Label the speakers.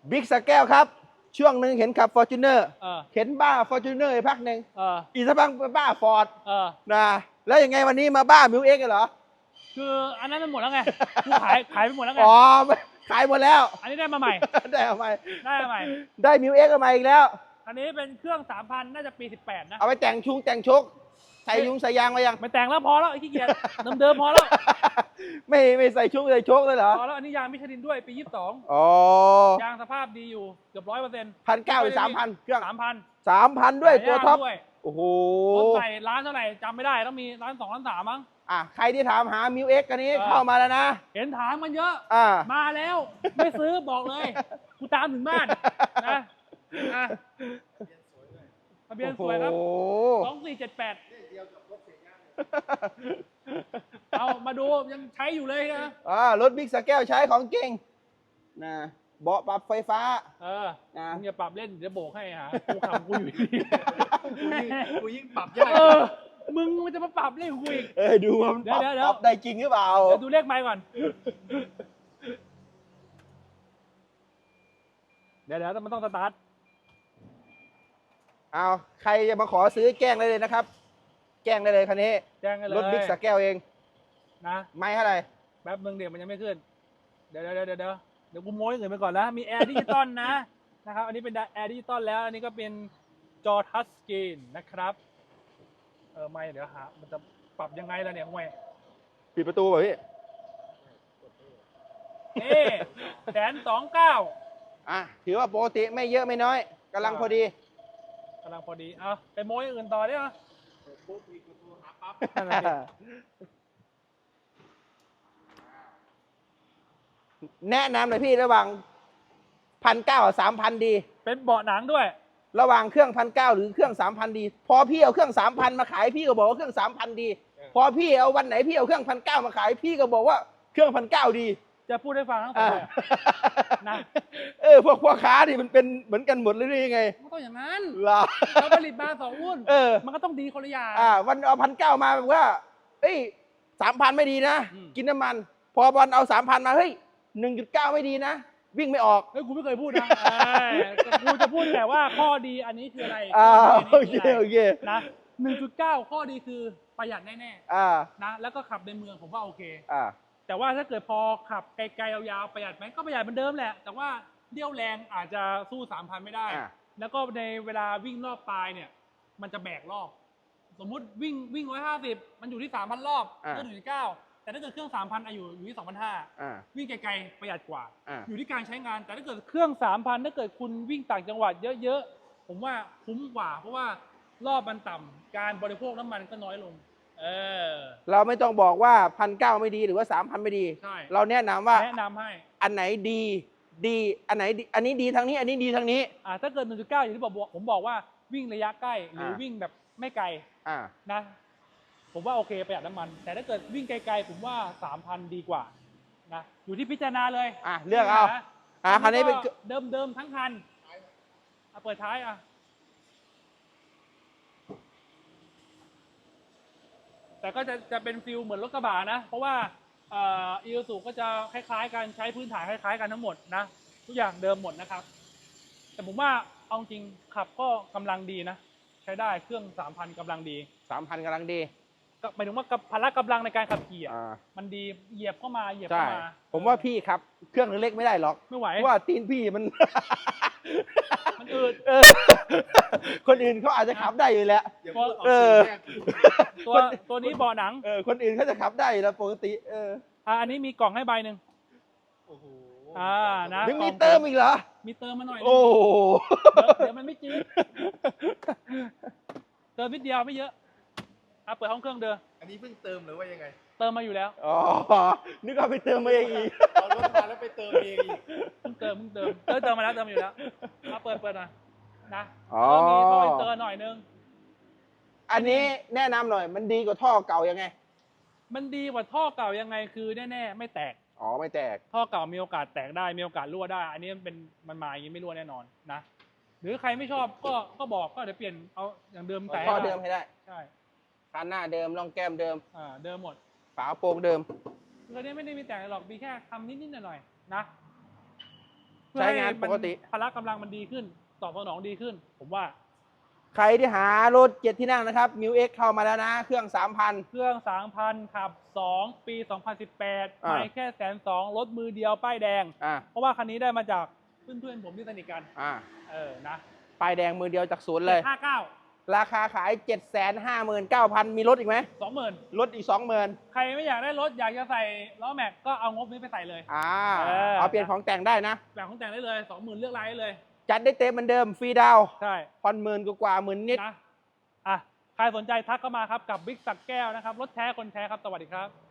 Speaker 1: บิ๊กสแก้วครับช่วงหนึ่งเห็นขับฟอร์จูเนอร์
Speaker 2: เออ
Speaker 1: เห็นบ้าฟอร์จูเนอร์พักหนึ่ง อีกสักพักบ้าฟอร์ด นะแล้วยังไงวันนี้มาบ้ามิวเอ็กซ์เหรอ
Speaker 2: คืออันนั้นมันหมดแล้วไงกูขายไปหมดแล้วไง
Speaker 1: อ๋อขายหมดแล้ว
Speaker 2: อันนี้ได้มาใหม่
Speaker 1: ได้เอาใหม่
Speaker 2: ได้มาใหม่
Speaker 1: ได้มิวเอ็กซ์มาอีกแล้ว
Speaker 2: อันนี้เป็นเครื่อง 3,000 น่าจะปี 18 นะ
Speaker 1: เอาไปแต่งชุงแต่งชกใส่ยุงใส่ยางมายัง
Speaker 2: ไม่แต่งแล้วพอแล้วไอ้ขี้เกียจเดิมๆพอแล้ว
Speaker 1: ไม่ใส่ชุงใส่ชกเลยเหรอ
Speaker 2: พอแล้วอันนี้ยางมิชลินด้วยปี 22
Speaker 1: อ๋อย
Speaker 2: างสภาพดีอยู่เกือบ 100%
Speaker 1: 1,900 หรือ 3,000 เครื่อง
Speaker 2: 3,000
Speaker 1: 3,000 ด้วยตัวท็อป
Speaker 2: ด้วย
Speaker 1: โอ้โห
Speaker 2: รถใส่ร้านเท่าไหร่จำไม่ได้ต้องมีร้าน 2 ร้าน 3 มั้ง
Speaker 1: ใครที่ถามหามิวเอ็กซ์กันนี้เข้ามาแล้วนะ
Speaker 2: เห็นถามมันเยอะ
Speaker 1: อ่า
Speaker 2: มาแล้วไม่ซื้อบอกเลยกูตามถึงบ้านนะอ่ะทะเบียนสวยครับ
Speaker 1: โอ้โห
Speaker 2: 2478เอามาดูยังใช้อยู่เลยนะ
Speaker 1: รถบิ๊กสแก้วใช้ของเก่งนะเบาะปรับไฟฟ้า นะ
Speaker 2: มึงอย่าปรับเล่นเดี๋ยวโบกให้หากูขับกูอยู่ดี
Speaker 3: กูยิ่งปรับยาก
Speaker 2: มึงมันจะมาปรับเล่นกูอีก
Speaker 1: ดูว่ามันปรับ
Speaker 2: เดี๋ยว
Speaker 1: ปรับได้จริงหรือเปล่า
Speaker 2: เดี๋ยวดูเลขไมค์ก่อนเดี๋ยวมันต้องสตาร์ท
Speaker 1: เอาใครจะมาขอซื้อแกล้งได้เลยนะครับ แกล้งได้เลยคันนี้
Speaker 2: แจ้งกันเลย
Speaker 1: รถบิ๊กสแก้วเอง
Speaker 2: นะ
Speaker 1: ไม่เท่าไหร่
Speaker 2: แป๊บนึงเดี๋ยวมันยังไม่ขึ้นเดี๋ยวกูโม้ยเงินไปก่อนนะมีแอร์ดิจิตอลนะครับอันนี้เป็นแอร์ดิจิตอลแล้วอันนี้ก็เป็นจอทัชสกรีนนะครับไม่เดี๋ยวหามันจะปรับยังไงล่ะเนี่ยไม่
Speaker 1: ปิดประตูป่ะพี่
Speaker 2: นี่129,000
Speaker 1: ถือว่าปกติไม่เยอะไม่น้อยกำลังพอดี
Speaker 2: กำลังพอดีเอาไปโม้ยอื่นต่อได้ไหม
Speaker 3: ปุ๊บมีประตูหาปั๊บ
Speaker 2: นั่นแหละดิ
Speaker 1: แนะนำหน่อยพี่ระหว่าง1,900 กับ 3,000 ดี
Speaker 2: เป็นเบาะหนังด้วย
Speaker 1: ระหว่างเครื่อง1,900 หรือเครื่อง 3,000 ดี พอพี่เอาเครื่อง 3,000 มาขายพี่ก็บอกว่าเครื่อง 3,000 ดี พอพี่เอาวันไหนพี่เอาเครื่อง1,900 มาขายพี่ก็บอกว่าเครื่อง1,900 ดี
Speaker 2: จะพูดให้ฟังทั้งสองแบบนะ
Speaker 1: พวกพ่อค้านี่มันเป็นเหมือนกันหมดเลยหรือยังไง
Speaker 2: มันก็ต้องอย่างนั้น
Speaker 1: เหรอ
Speaker 2: เราผลิตมา2 หุ้น มันก็ต้องดีคนละอย่าง
Speaker 1: วันเอา1,900 มาแบบว่า3,000 ไม่ดีนะ
Speaker 2: อืม
Speaker 1: กินน้ำมัน พอบอลเอา 3,000 มาเฮ้ย 1.9 ไม่ดีนะ วิ่งไม่ออก
Speaker 2: เฮ้ยกูไม่เคยพูดนะกูจะพูดแต่ว่าข้อดีอันนี้คืออะไร
Speaker 1: โอเคโอเค
Speaker 2: นะ 1.9 ข้อดีคือประหยัดแน่
Speaker 1: อ่า
Speaker 2: ๆนะแล้วก็ขับในเมืองผมว่าโอเค
Speaker 1: อ่า
Speaker 2: แต่ว่าถ้าเกิดพอขับไกลๆยาวๆประหยัดไหมก็ประหยัดเหมือนเดิมแหละ แต่ว่าเดี่ยวแรงอาจจะสู้ 3,000 ไม่ได้ แล้วก็ในเวลาวิ่งรอบปลายเนี่ย มันจะแบกรอบ สมมุติวิ่ง150 มันอยู่ที่ 3,000 รอบก็1.9 แต่ถ้าเกิดเครื่อง 3,000อยู่ที่ 2,500 วิ่งไกลๆประหยัดกว่า อยู่ที่การใช้งาน แต่ถ้าเกิดเครื่อง 3,000 ถ้าเกิดคุณวิ่งต่างจังหวัดเยอะๆ ผมว่าคุ้มกว่า เพราะว่ารอบมันต่ำการบริโภคน้ำมันก็น้อยลง
Speaker 1: เราไม่ต้องบอกว่า1,900 ไม่ดีหรือว่า 3,000 ไม่ดี
Speaker 2: ใช่
Speaker 1: เราแนะนำว่า
Speaker 2: แนะนำให้
Speaker 1: อันไหนดีอันไหนดีอันนี้ดีทางนี้ อันนี้ดีทางนี้
Speaker 2: ถ้าเกิด 1.9 อย่างที่ผมบอกว่าวิ่งระยะใกล้หรือวิ่งแบบไม่ไกล
Speaker 1: อ่า
Speaker 2: นะ ผมว่าโอเคประหยัดน้ำมัน แต่ถ้าเกิดวิ่งไกลๆ ผมว่า 3,000 ดีกว่านะอยู่ที่พิจารณาเลย
Speaker 1: เลือกเอาคันนี้เป็น
Speaker 2: เดิมทั้งคันเปิดท้ายแต่ก็จะเป็นฟิลเหมือนรถกระบะนะ เพราะว่าอีซูซูก็จะคล้ายๆกันใช้พื้นฐานคล้ายๆกันทั้งหมดนะทุกอย่างเดิมหมดนะครับ แต่ผมว่าเอาจริงขับก็กำลังดีนะ ใช้ได้เครื่อง 3,000 กำลังดี
Speaker 1: 3,000 กำลังดี
Speaker 2: ก็หมายถึงว่าพละกำลังในการขับขี่
Speaker 1: อ่า
Speaker 2: มันดีเหยียบเข้ามา
Speaker 1: ใช่ผมว่าพี่ครับ เครื่องเล็กไม่ได้หรอก
Speaker 2: ไม่ไหว
Speaker 1: เพราะว่าตีนพี่มัน
Speaker 2: มันอืด
Speaker 1: คนอื่นเขาอาจจะขับได้อยู่แล้ว
Speaker 3: อย่าพูดออกสื่อแรก
Speaker 2: ตัวนี้เบาะหนัง
Speaker 1: คนอื่นเขาจะขับได้อยู่แล้วปกติ
Speaker 2: อันนี้มีกล่องให้ใบหนึ่ง
Speaker 3: โอ้โห
Speaker 2: นะ
Speaker 1: ยังมีเติมอีกเหรอ
Speaker 2: มีเติมมาหน่อยนึง
Speaker 1: โอ้โห
Speaker 2: เดี๋ยวมันไม่จืดเติมนิดเดียวไม่เยอะเปิดห้องเครื่องเดิม
Speaker 3: อันนี้เพิ่งเติมหรือว่ายังไง
Speaker 2: เติมมาอยู่แล้ว
Speaker 1: อ๋อนึกว่าไปเติมมาเองอีก
Speaker 3: เอารถมาแล้วไปเติมเองอีก
Speaker 2: เพิ่งเติมเติมมาแล้วเติมมาอยู่แล้วเปิดหน่อยนะ
Speaker 1: อ๋อ
Speaker 2: ก็มีท่ออินเตอร์หน่อยนึง
Speaker 1: อันนี้แนะนำหน่อย มันดีกว่าท่อเก่ายังไง
Speaker 2: มันดีกว่าท่อเก่ายังไงคือแน่ๆไม่แตก
Speaker 1: อ๋อ ไม่แตก
Speaker 2: ท่อเก่ามีโอกาสแตกได้มีโอกาสรั่วได้ อันนี้มันมาอย่างนี้ไม่รั่วแน่นอนนะหรือใครไม่ชอบก็บอกก็เดี๋ยวเปลี่ยนเอาอย่างเดิมใส่
Speaker 1: ท่อเดิมให้ได้
Speaker 2: ใช่
Speaker 1: คันหน้าเดิมร่องแก้มเดิม
Speaker 2: เดิมหมด
Speaker 1: ฝาโปร่งเดิม
Speaker 2: ตัวนี้ไม่ได้มีแต่งหรอกมีแค่ทำนิดๆหน่อยๆนะเพื่อ
Speaker 1: ใช้
Speaker 2: ให้
Speaker 1: งานปกติ
Speaker 2: พละกำลังมันดีขึ้นตอบสนองดีขึ้น ผมว่า
Speaker 1: ใครที่หารถ7 ที่นั่งนะครับมิวเอ็กเข้ามาแล้วนะ เครื่อง 3,000
Speaker 2: เครื่อง 3,000 ขับ 2 ปี 2018
Speaker 1: อ่า
Speaker 2: ไม่แค่120,000รถมือเดียวป้ายแดง
Speaker 1: อ่า
Speaker 2: เพราะว่าคันนี้ได้มาจากเพื่อนๆผมที่สนิทกัน
Speaker 1: อ่า
Speaker 2: นะ
Speaker 1: ป้ายแดงมือเดียวจากศูนย์เลย
Speaker 2: 759
Speaker 1: ราคาขาย 759,000 มีรถอีกไหม
Speaker 2: 20,000
Speaker 1: ลดอีก 20,000
Speaker 2: ใครไม่อยากได้รถอยากจะใส่ล้อแม็กก็เอางบนี้ไปใส่เลย
Speaker 1: เอาเปลี่ยนของแต่งได้นะ
Speaker 2: แบบของแต่งได้เลย 20,000 เลือกลายได้เลย
Speaker 1: จัดได้เต็มเหมือนเดิม ฟรีดาวน์
Speaker 2: ใช่
Speaker 1: ผ่อนหมื่นกว่าหมื่นนิด
Speaker 2: นะใครสนใจทักเข้ามาครับกับบิ๊กสักแก้วนะครับรถแท้คนแท้ครับสวัสดีครับ